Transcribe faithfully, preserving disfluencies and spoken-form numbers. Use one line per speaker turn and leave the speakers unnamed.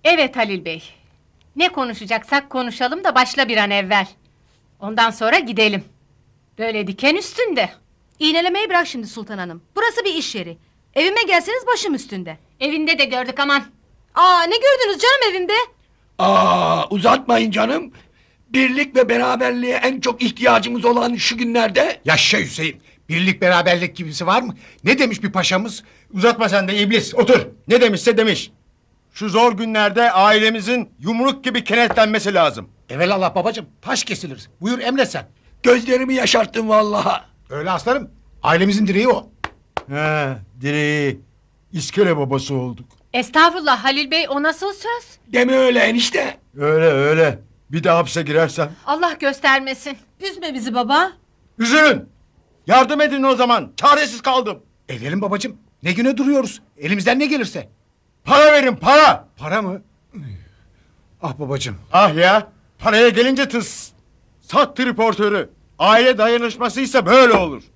Evet Halil Bey. Ne konuşacaksak konuşalım da başla bir an evvel. Ondan sonra gidelim. Böyle diken üstünde.
İğnelemeyi bırak şimdi Sultan Hanım. Burası bir iş yeri. Evime gelseniz başım üstünde.
Evinde de gördük aman.
Aa, ne gördünüz canım evimde?
Aa, uzatmayın canım. Birlik ve beraberliğe en çok ihtiyacımız olan şu günlerde...
Yaşa Hüseyin. Birlik beraberlik gibisi var mı? Ne demiş bir paşamız? Uzatma sen de iblis. Otur.
Ne demişse demiş. Şu zor günlerde ailemizin yumruk gibi kenetlenmesi lazım.
Evelallah babacığım. Taş kesilir. Buyur emret sen.
Gözlerimi yaşarttın vallahi.
Öyle aslanım. Ailemizin direği o.
He, direği. İskele babası olduk.
Estağfurullah Halil Bey, o nasıl söz?
Deme öyle enişte.
Öyle öyle. Bir de hapse girersem.
Allah göstermesin.
Üzme bizi baba.
Üzülün. Yardım edin o zaman. Çaresiz kaldım.
Edelim babacığım. Ne güne duruyoruz? Elimizden ne gelirse.
Para verin para.
Para mı? Ah babacığım.
Ah ya. Paraya gelince tıs. Sat triportörü. Aile dayanışmasıysa böyle olur.